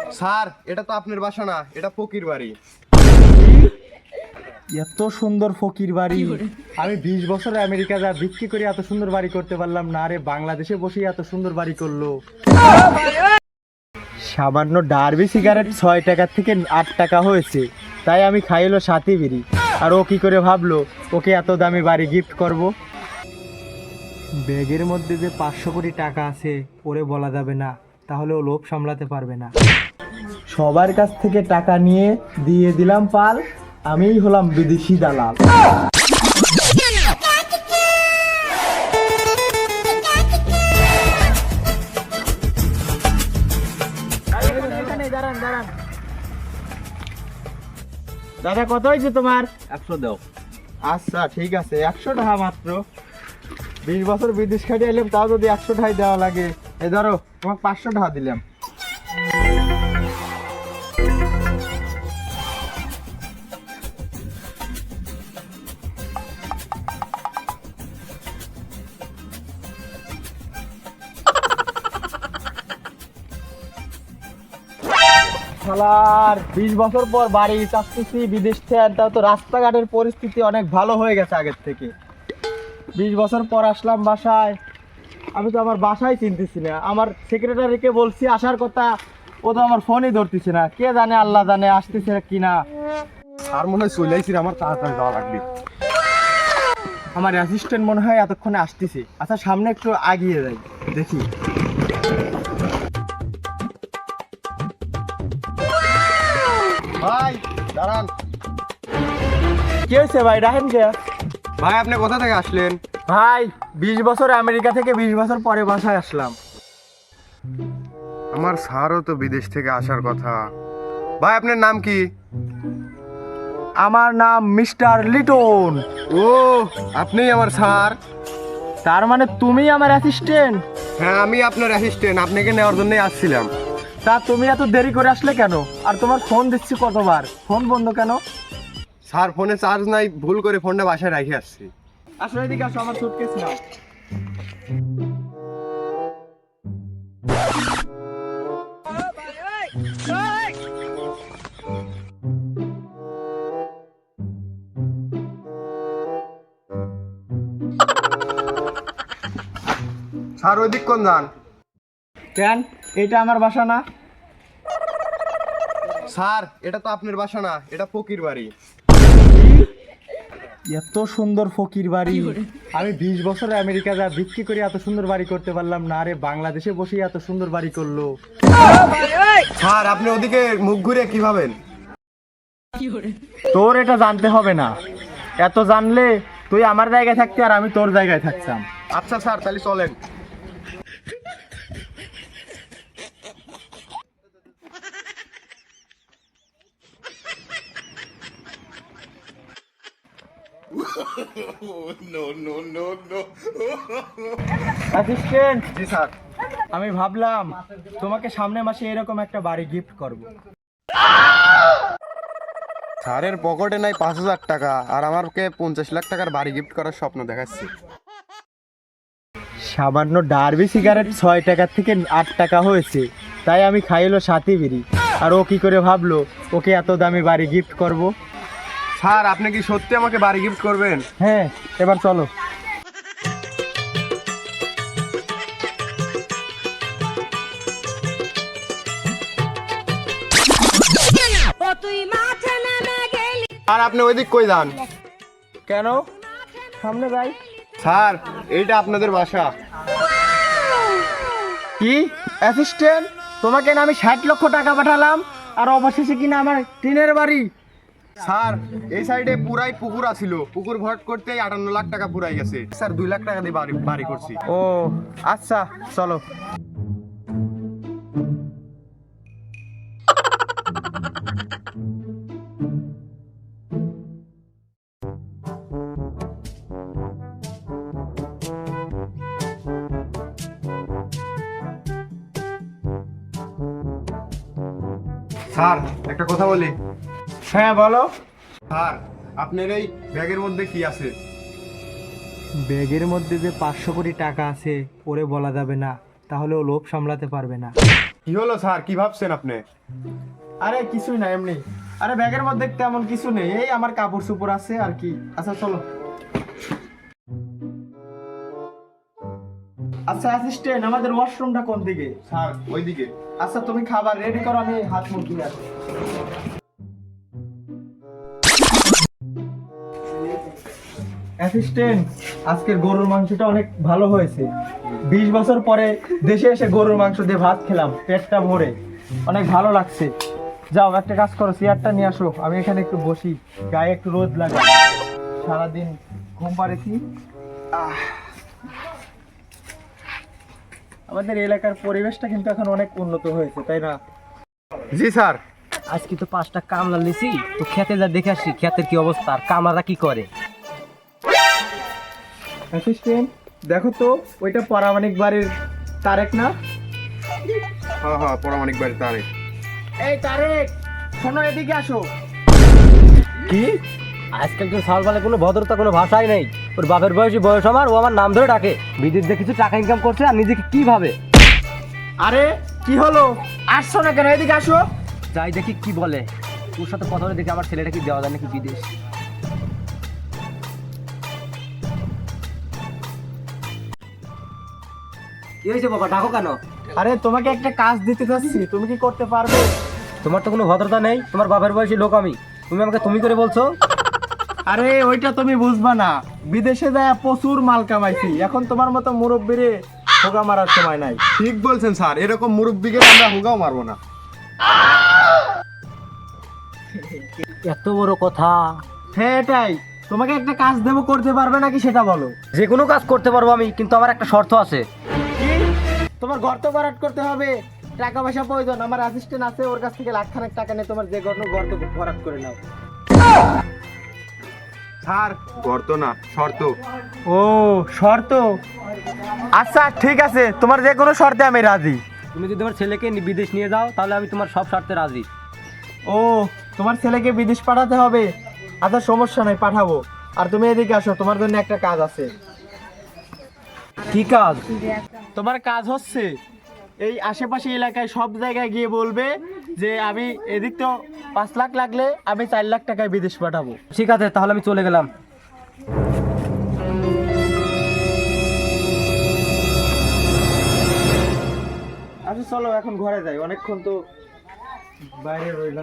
Sir, এটা তো আপনার বাসা না, এটা ফকির বাড়ি। এত সুন্দর ফকির বাড়ি! আমি 20 বছরে আমেরিকা যা বিক্রি করে এত সুন্দর বাড়ি করতে পারলাম না, আরে বাংলাদেশে বসে এত সুন্দর বাড়ি করলো। সামান্য ডার্বি সিগারেট 6 টাকা থেকে 8 টাকা হয়েছে, তাই আমি খাইলো 7 বিড়ি। আর ও কি করে ভাবলো ওকে এত দামি বাড়ি গিফট করব? ব্যাগের মধ্যে যে 500 কোটি টাকা আছে ওরে বলা যাবে না, তাহলে ও লোভ সামলাতে পারবে না। সবার কাছ থেকে টাকা নিয়ে দিয়ে দিলাম পাল, আমিই হলাম বিদেশি দালাল। দাদা, কত হয়েছে তোমার? 100 দাও। আচ্ছা ঠিক আছে, 100 টাকা মাত্র। 20 বছর বিদেশ খাটিয়ে এলাম, তাও যদি 100 টাকাই দেওয়া লাগে। এই ধরো, তোমাকে 500 টাকা দিলাম। শালার 20 বছর পর বাড়ি চাচ্ছি বিদেশ থেকে, আর তাও তো রাস্তাঘাটের পরিস্থিতি অনেক ভালো হয়ে গেছে আগের থেকে। 20 বছর পর আসলাম বাসায়, আমি তো আমার বাসায় চিনতেছি না। আমার সেক্রেটারিকে বলছি আসার কথা, ও তো আমার ফোনই ধরতেছে না। কে জানে, আল্লাহ জানে আসতেছে কিনা। আর মনে হয় চলে আইছি, আমার তাড়াতাড়ি যাওয়া লাগবে। আমার অ্যাসিস্ট্যান্ট মনে হয় এতক্ষণে আসতেছে। আচ্ছা, সামনে একটু আগিয়ে যাই, দেখি। ভাই দাঁড়ান। কি হয়েছে ভাই, রাহেন কে? ভাই, আপনি কোথা থেকে আসলেন? ভাই 20 বছর আমেরিকা থেকে 20 বছর পরে বাসায় আসলাম। আমার স্যারও তো বিদেশ থেকে আসার কথা। ভাই, আপনার নাম কি? আমার নাম মিস্টার লিটন। ও, আপনিই আমার স্যার। তার মানে তুমি আমার অ্যাসিস্ট্যান্ট? হ্যাঁ, আমি আপনার অ্যাসিস্ট্যান্ট, আপনাকে নেওয়ার জন্যই আসছিলাম। তা তুমি এত দেরি করে আসলে কেন? আর তোমার ফোন দিচ্ছি কতবার, ফোন বন্ধ কেন? স্যার, ফোনে চার্জ নাই, ভুল করে ফোনটা বাসায় রেখে আসছি। আসলে এদিকে আসো, আমার সুটকেস নাও। স্যার, ওই দিক কোন যান? কেন, এটা আমার বাসা না? স্যার, এটা তো আপনার বাসা না, এটা ফকির বাড়ি। এত সুন্দর ফকির বাড়ি! আমি 20 বছরে আমেরিকা যা বিক্রি করে এত সুন্দর বাড়ি করতে পারলাম না, আরে বাংলাদেশে বসে এত সুন্দর বাড়ি করলো। স্যার, আপনি ওদিকে মুখ ঘুরে কি ভাবেন? তোর এটা জানতে হবে না, এত জানলে তুই আমার জায়গায় থাকতি আর আমি তোর জায়গায় থাকতাম। আচ্ছা স্যার, তাহলে চলেন। অ্যাসিস্ট্যান্ট, জি স্যার। আমি ভাবলাম তোমাকে সামনের মাসে এরকম একটা বাড়ি গিফট করব। স্যারের পকেটে নাই 5,000 টাকা, আর আমাকে 50 লাখ টাকার বাড়ি গিফট করার স্বপ্ন দেখাচ্ছি। সামান্য ডার্বি সিগারেট 6 টাকা থেকে 8 টাকা হয়েছে, তাই আমি খাইলো 7 বিড়ি। আর ও কি করে ভাবলো ওকে এত দামি বাড়ি গিফট করব? স্যার, আপনি কি সত্যি আমাকে বাড়ি গিফট করবেন? হ্যাঁ, এবার চলো। আর আপনি ওই দিক কই যান? কেন, সামনে যাই। স্যার, এইটা আপনাদের বাসা। কি অ্যাসিস্ট্যান্ট, তোমাকে না আমি 60 লক্ষ টাকা পাঠালাম, আর অবশেষে কিনা আমার টিনের বাড়ি? স্যার, এই সাইডে পুরাই পুকুর আছিল, পুকুর ভরাট করতেই 58 লাখ টাকা পুরাই গেছে। স্যার, 2 লাখ টাকা দিয়ে বাড়ি করছি। ও আচ্ছা, চলো। স্যার, একটা কথা বলি। হ্যাঁ বলো। স্যার, আপনার এই ব্যাগের মধ্যে কি আছে? ব্যাগের মধ্যে যে 500 কোটি টাকা আছে ওরে বলা যাবে না, তাহলে ও লোভ সামলাতে পারবে না। কি হলো স্যার, কি ভাবছেন আপনি? আরে কিছুই না, এমনি। আরে ব্যাগের মধ্যে তেমন কিছু নেই, এই আমার কাপড় চোপড় আছে আর কি। আচ্ছা চলো। আচ্ছা অ্যাসিস্ট্যান্ট, আমাদের ওয়াশরুমটা কোন দিকে? স্যার ওইদিকে। আচ্ছা তুমি খাবার রেডি করো, আমি হাত মুখ ধুয়ে আসি। অ্যাসিস্ট্যান্ট, আজকের গরুর মাংসটা অনেক ভালো হয়েছে। 20 বছর পরে দেশে এসে গরুর মাংস দিয়ে ভাত খেলাম, পেটটা ভরে অনেক ভালো লাগছে। যাও একটা কাজ করো, চেয়ারটা নিয়ে আসো, আমি এখানে একটু বসি, গায়ে একটু রোদ লাগে, সারাদিন ঘুম পাড়েছি। আমাদের এলাকার পরিবেশটা কিন্তু এখন অনেক উন্নত হয়েছে, তাই না? জি স্যার। আজকে তো 5টা কামলা লিছি, তো খেতে যা দেখে আসি খেতের কি অবস্থা আর কামলারা কি করে। অ্যাসিস্ট্যান্ট দেখো তো, ওইটা পারামানিক বাড়ির তারেক না? হ্যাঁ হ্যাঁ, পরামানিক বাড়ি তারে। এই তারেক, শোনো এদিকে আসো। কি আজকালকার সালবালে কোনো ভদ্রতা কোনো ভাষাই নেই। ওর বাপের বয়স আমার, ও আমার নাম ধরে ডাকে। বিদেশ দিয়ে কিছু টাকা ইনকাম করছে আর নিজেকে কি ভাবে। আরে কি হলো, আসছো না কেন? এদিকে আসো। যাই দেখি কি বলে। তোর সাথে কথা বলে দেখি আমার ছেলেটা কি দেওয়া যায় নাকি বিদেশ। কি হয়েছে বাবা, ডাকো কেন? আরে তোমাকে একটা কাজ দিতে চাচ্ছি, তুমি কি করতে পারবে? তোমার তো কোনো ভদ্রতা নেই, তোমার বাপের বয়সী লোক আমি, তুমি আমাকে তুমি করে বলছো। আরে ওইটা তুমি বুঝবা না, বিদেশে যায় প্রচুর মাল কামাইছি, এখন তোমার মতো মুরব্বিরে হোগা মারার সময় নাই। ঠিক বলছেন স্যার, এরকম মুরব্বিকে আমরা হুগাও মারবো না। এত বড় কথা। হ্যাঁ এটাই, তোমাকে একটা কাজ দেবো, করতে পারবে নাকি সেটা বলো। যে কোনো কাজ করতে পারবো আমি, কিন্তু আমার একটা শর্ত আছে। কি? তোমার গর্ত ভরাট করতে হবে? টাকা পয়সা প্রয়োজন? আমার অ্যাসিস্ট্যান্ট আছে, ওর কাছ থেকে লাখখানেক টাকা নিয়ে তোমার যে গর্ত ভরাট করে নাও। স্যার গর্ত না, শর্ত। ও শর্ত, আচ্ছা ঠিক আছে, তোমার যে কোনো শর্তে আমি রাজি। তুমি যদি তোমার ছেলেকে বিদেশ নিয়ে যাও তাহলে আমি তোমার সব শর্তে রাজি। ও তোমার ছেলেকে বিদেশ পাঠাতে হবে? আচ্ছা সমস্যা নাই, পাঠাবো। আর তুমি এদিকে আসো, তোমার জন্য একটা কাজ আছে। কি কাজ? তোমার কাজ হচ্ছে এই আশেপাশে এলাকায় সব জায়গায় গিয়ে বলবে যে আমি এদিক তো 5 লাখ লাগলে আমি 4 লাখ টাকায় বিদেশ পাঠাবো। ঠিক আছে, তাহলে আমি চলে গেলাম। আচ্ছা চলো এখন ঘরে যাই, অনেকক্ষণ তো বাইরে রইলাম।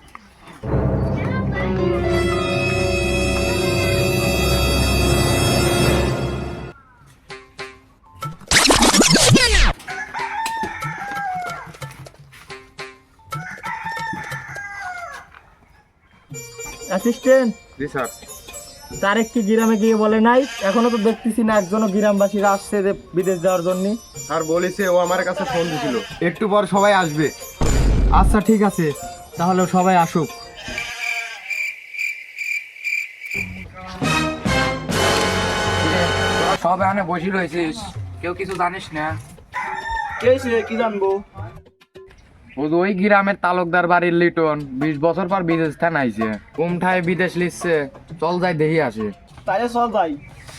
অ্যাসিস্ট্যান্ট, জি স্যার। তারেক কি গ্রামে গিয়ে বলে নাই? এখনো তো দেখতেছি না একজনও গ্রামবাসীরা আসছে যে বিদেশ যাওয়ার জন্য। স্যার বলেছে, ও আমার কাছে ফোন দিছিল, একটু পর সবাই আসবে। আচ্ছা ঠিক আছে, তাহলে সবাই আসুক। সব এখানে বসে রয়েছিস, কেউ কিছু জানিস না? কি জানবো? ওই গ্রামের তালুকদার বাড়ির লিটন 20 বছর পর বিদেশ থেকে আইছে। কোমঠায় বিদেশ লিখছে, চল যাই দেখি আসে। তাহলে চল যাই।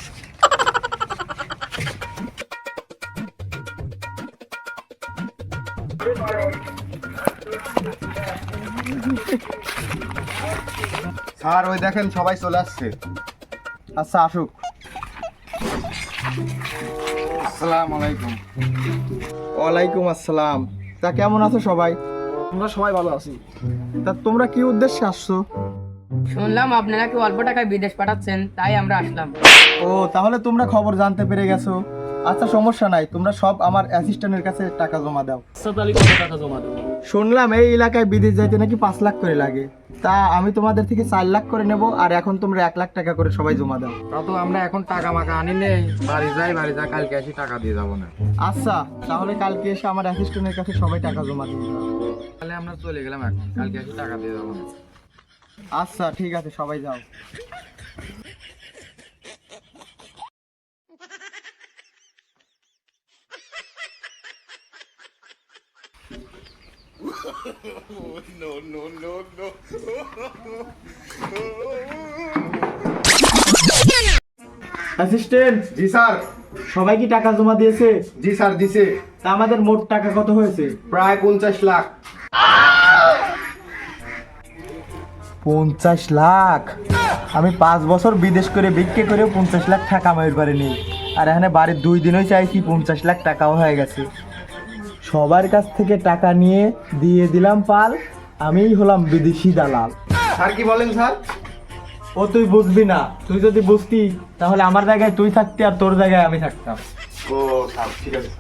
স্যার ওই দেখেন সবাই চলে আসছে। আচ্ছা আসুক। আসসালামু আলাইকুম। ওয়ালাইকুম আসসালাম। তা কেমন আছো সবাই? আমরা সবাই ভালো আছি। তা তোমরা কি উদ্দেশ্যে আসছো? শুনলাম আপনারা কি অল্প টাকায় বিদেশ পাঠাচ্ছেন, তাই আমরা আসলাম। ও তাহলে তোমরা খবর জানতে পেরে গেছো। আচ্ছা সমস্যা নাই, তোমরা সব আমার অ্যাসিস্ট্যান্টের কাছে টাকা জমা দাও। শুনলাম এই এলাকায় বিদেশ যাইতে নাকি 5 লাখ করে লাগে, তা আমি তোমাদের থেকে 4 লাখ করে নেব, আর এখন তোমরা 1 লাখ টাকা করে সবাই জমা দাও। তা তো আমরা এখন টাকা মাকা আনি নেই, বাড়ি যাই কালকে এসে টাকা দিয়ে যাবো না। আচ্ছা তাহলে কালকে এসে আমার অ্যাসিস্ট্যান্টের কাছে সবাই টাকা জমা দিয়ে দাও। তাহলে আমরা চলে গেলাম, এখন কালকে এসে টাকা দিয়ে যাবো না। আচ্ছা ঠিক আছে, সবাই যাও। অ্যাসিস্ট্যান্ট, জি স্যার। সবাই কি টাকা জমা দিয়েছে? জি স্যার দিছে। তা আমাদের মোট টাকা কত হয়েছে? প্রায় 50 লাখ। 50 লাখ? আমি 5 বছর বিদেশ করে বিক্রি করেও 50 লাখ টাকা কামাইতে পারিনি, আর এখানে বাড়ির 2 দিনই চাইছি 50 লাখ টাকাও হয়ে গেছে। সবার কাছ থেকে টাকা নিয়ে দিয়ে দিলাম পাল, আমিই হলাম বিদেশি দালাল। স্যার কি বলেন স্যার? ও তুই বুঝবি না, তুই যদি বুঝতি তাহলে আমার জায়গায় তুই থাকতি আর তোর জায়গায় আমি থাকতাম। ও স্যার ঠিক আছে।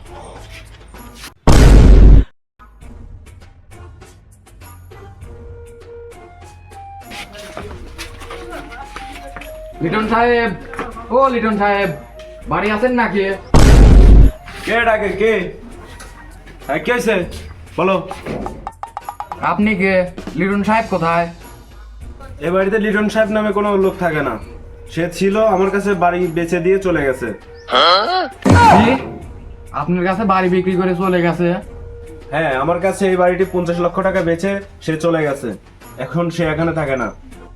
লিটন সাহেব, ও লিটন সাহেব, বাড়ি আছেন নাকি? কে ডাকে কে? হ্যাঁ কে আছে বলো। আপনি কে? লিটন সাহেব কোথায়? এ বাড়িতে লিটন সাহেব নামে কোনো লোক থাকে না। সে ছিল, আমার কাছে বাড়ি বেচে দিয়ে চলে গেছে। কি? আপনার কাছে বাড়ি বিক্রি করে চলে গেছে? হ্যাঁ, আমার কাছে এই বাড়িটি 50 লক্ষ টাকা বেচে সে চলে গেছে। এখন সে এখানে থাকে না।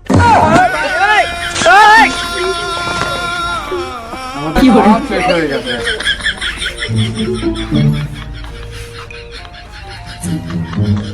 আমাদের সব শেষ হয়ে গেছে।